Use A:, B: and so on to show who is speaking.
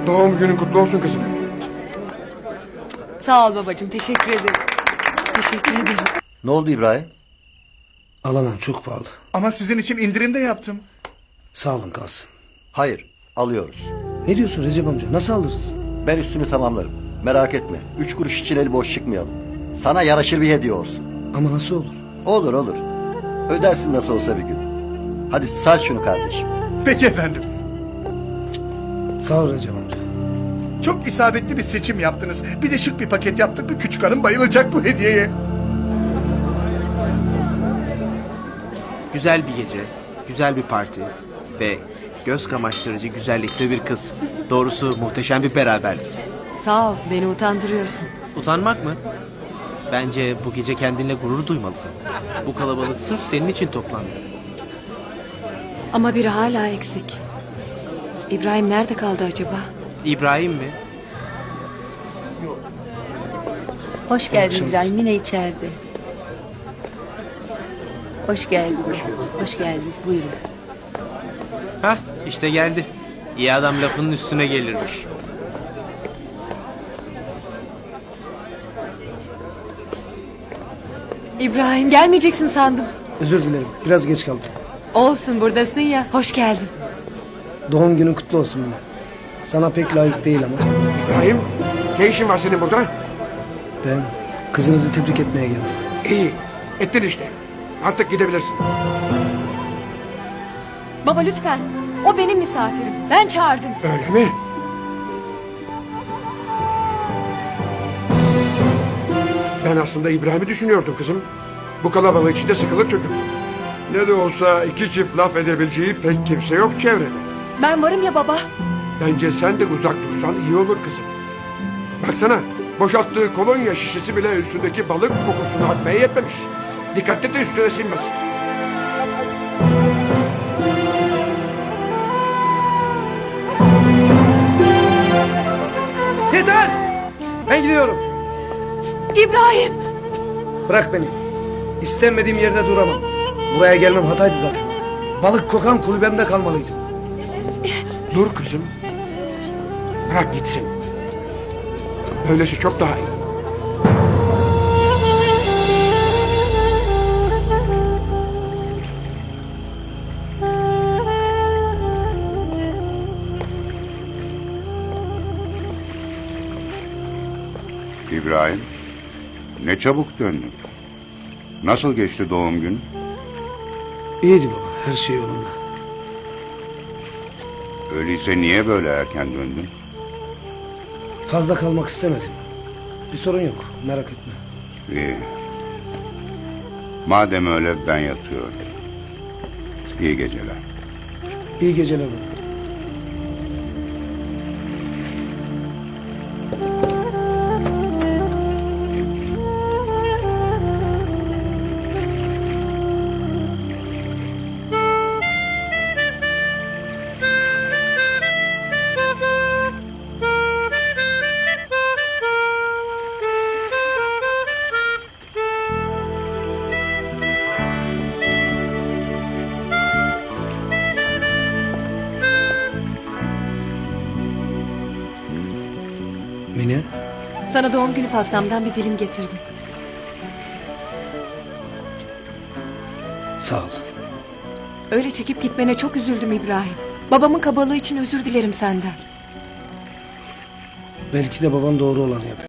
A: Doğum günün kutlu olsun kızım.
B: Sağ ol babacığım, teşekkür ederim. Teşekkür ederim.
C: Ne oldu İbrahim?
D: Alamam, çok pahalı.
E: Ama sizin için indirim de yaptım.
D: Sağ olun, kalsın.
C: Hayır, alıyoruz.
D: Ne diyorsun Recep amca? Nasıl alırız?
C: Ben üstünü tamamlarım. Merak etme. 3 kuruş için eli boş çıkmayalım. Sana yaraşır bir hediye olsun.
D: Ama nasıl olur?
C: Olur olur. Ödersin nasıl olsa bir gün. Hadi sar şunu kardeşim.
E: Peki efendim.
D: Sağ ol Recep amca.
E: Çok isabetli bir seçim yaptınız. Bir de şık bir paket yaptık mı küçük hanım bayılacak bu hediyeye.
F: Güzel bir gece, güzel bir parti ve göz kamaştırıcı güzellikte bir kız. Doğrusu muhteşem bir beraberlik.
B: Sağ ol, beni utandırıyorsun.
F: Utanmak mı? Bence bu gece kendinle gurur duymalısın. Bu kalabalık sırf senin için toplandı.
B: Ama biri hala eksik. İbrahim nerede kaldı acaba?
F: İbrahim mi?
G: Hoş geldin İbrahim, yine içeride. Hoş geldiniz. Hoş geldiniz, buyurun.
F: Hah, işte geldi. İyi adam lafının üstüne gelirmiş.
B: İbrahim, gelmeyeceksin sandım.
D: Özür dilerim, biraz geç kaldım.
B: Olsun, buradasın ya. Hoş geldin.
D: Doğum günün kutlu olsun Mine. Sana pek layık değil ama.
A: İbrahim, ne işin var senin burada?
D: Ben kızınızı tebrik etmeye geldim.
A: İyi, ettin işte. Artık gidebilirsin.
B: Baba lütfen. O benim misafirim. Ben çağırdım.
A: Öyle mi? Ben aslında İbrahim'i düşünüyordum kızım. Bu kalabalık içinde sıkılır çocuk. Ne de olsa iki çift laf edebileceği pek kimse yok çevrede.
B: Ben varım ya baba.
A: Bence sen de uzak dursan iyi olur kızım. Baksana, boşalttığı kolonya şişesi bile üstündeki balık kokusunu atmaya yetmemiş. Dikkatli de üstüne sinmesin.
D: Yeter! Ben gidiyorum.
B: İbrahim.
D: Bırak beni. İstenmediğim yerde duramam. Buraya gelmem hataydı zaten. Balık kokan kulübemde kalmalıydım.
A: Dur kızım. Bırak gitsin. Böylesi çok daha iyi.
H: İbrahim, ne çabuk döndün. Nasıl geçti doğum gün?
D: İyiydi baba, her şey yolunda.
H: Öyleyse niye böyle erken döndün?
D: Fazla kalmak istemedim. Bir sorun yok, merak etme.
H: İyi. Madem öyle ben yatıyorum. İyi geceler.
D: İyi geceler baba. Mine,
B: Sana doğum günü pastamdan bir dilim getirdim.
D: sağ ol.
B: Öyle çekip gitmene çok üzüldüm İbrahim. Babamın kabalığı için özür dilerim senden.
D: Belki de baban doğru olanı yapıyor.